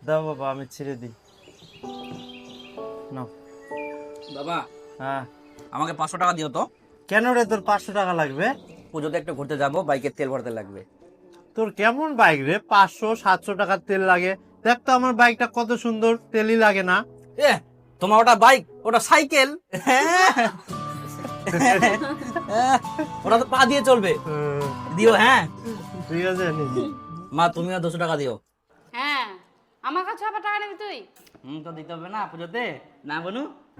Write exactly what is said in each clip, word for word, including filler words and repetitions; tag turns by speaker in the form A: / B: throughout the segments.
A: দাও বাবা, আমি ছেড়ে দিই। নাও
B: বাবা,
A: হ্যাঁ।
B: আমাকে পাঁচশো টাকা দিও তো।
A: কেন রে, তোর পাঁচশো টাকা লাগবে?
B: পুজোতে একটু ঘুরতে যাবো, বাইকের তেল ভরতে লাগবে।
A: তোর কেমন বাইক রে, পাঁচশো সাতশো টাকার তেল লাগে? দেখ তো আমার বাইকটা কত সুন্দর, তেলই লাগে না।
B: এ তোমার ওটা বাইক, ওটা সাইকেল। ওটা তো পা দিয়ে চলবে। দিও হ্যাঁ।
A: ঠিক আছে, নিবি।
B: মা তুমিও দুশো টাকা দিও।
C: হ্যাঁ, আমার কাছে আবার টাকা নিবি তুই?
B: হুম, তো দিতে হবে না পুজোতে, না বনু?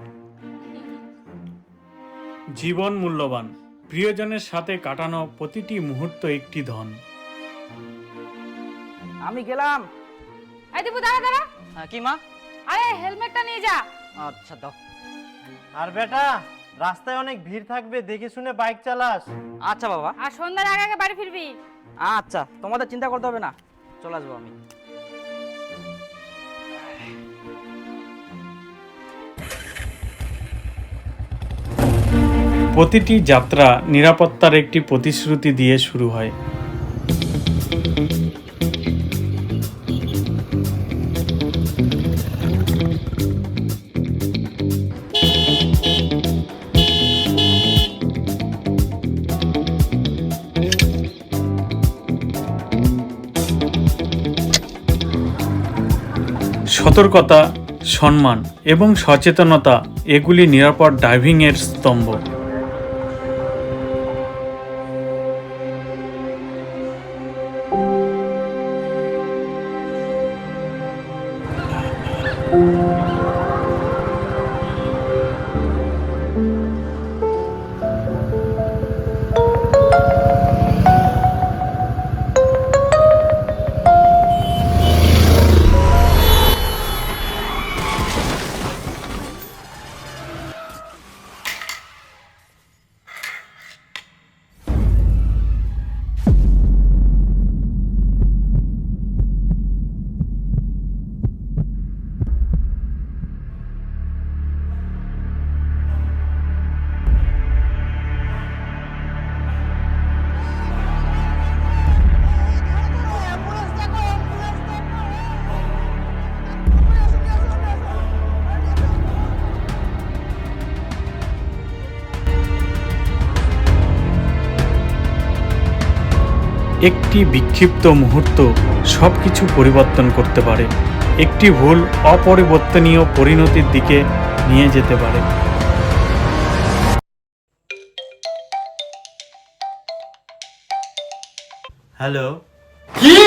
D: জীবন মূল্যবান, প্রিয়জনের সাথে কাটানো প্রতিটি মুহূর্ত একটি ধন।
B: আমি গেলাম।
C: এই দীপু, দাঁড়া দাঁড়া।
B: হ্যাঁ, কি মা?
C: আরে হেলমেটটা নিয়ে যা।
B: আচ্ছা দাও।
A: আর বেটা, রাস্তায় অনেক ভিড় থাকবে, দেখে শুনে বাইক চালাস।
B: আচ্ছা বাবা।
C: আর সন্ধ্যার আগে আগে বাড়ি ফিরবি।
B: আচ্ছা, তোমাদের চিন্তা করতে হবে না, চলে আসবো আমি।
D: প্রতিটি যাত্রা নিরাপত্তার একটি প্রতিশ্রুতি দিয়ে শুরু হয়। সতর্কতা, সম্মান এবং সচেতনতা এগুলি নিরাপদ ড্রাইভিংয়ের স্তম্ভ। একটি বিক্ষিপ্ত মুহূর্ত সবকিছু পরিবর্তন করতে পারে। একটি ভুল অপরিবর্তনীয় পরিণতির দিকে নিয়ে যেতে পারে।
A: হ্যালো।
D: কি?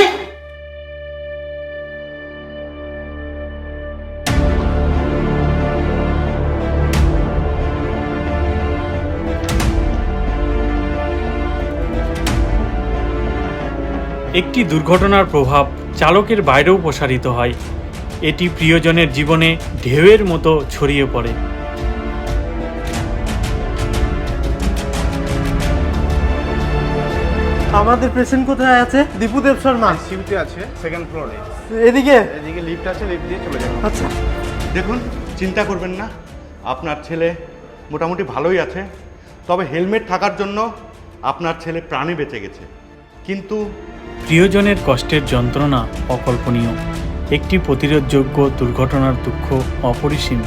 D: একটি দুর্ঘটনার প্রভাব চালকের বাইরেও প্রসারিত হয়। এটি প্রিয়জনের জীবনে ঢেউয়ের মতো ছড়িয়ে পড়ে।
A: আমাদের পেশেন্ট কোথায় আছে? দীপুদেব শর্মা
E: সিউতে আছে, সেকেন্ড ফ্লোরে।
A: এদিকে।
E: এদিকে লিফট আছে, লিফট দিয়ে চলে যাবেন।
A: আচ্ছা।
E: দেখুন, চিন্তা করবেন না, আপনার ছেলে মোটামুটি ভালোই আছে। তবে হেলমেট থাকার জন্য আপনার ছেলে প্রাণে বেঁচে গেছে। কিন্তু
D: প্রিয়জনের কষ্টের যন্ত্রণা অকল্পনীয়। একটি প্রতিরোধযোগ্য দুর্ঘটনার দুঃখ অপরিসীম।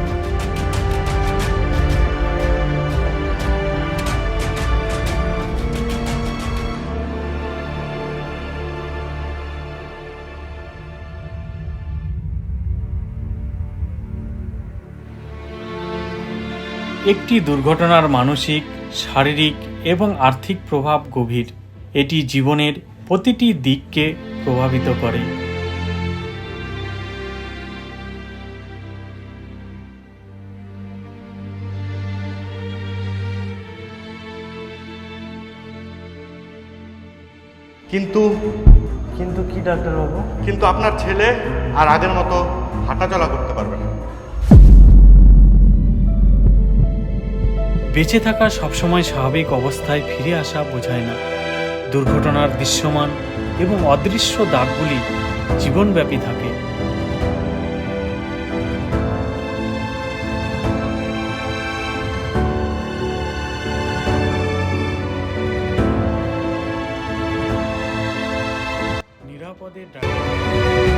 D: একটি দুর্ঘটনার মানসিক, শারীরিক এবং আর্থিক প্রভাব গভীর। এটি জীবনের প্রতিটি দিককে প্রভাবিত করে।
E: কিন্তু
A: কিন্তু কি ডাক্তারবাবু?
E: কিন্তু আপনার ছেলে আর আগের মতো হাঁটাচলা করতে পারবে না।
D: বেঁচে থাকা সবসময় স্বাভাবিক অবস্থায় ফিরে আসা বোঝায় না। দুর্ঘটনার দৃশ্যমান এবং অদৃশ্য দাগগুলি জীবনব্যাপী থাকে। নিরাপদে ড্রাইভ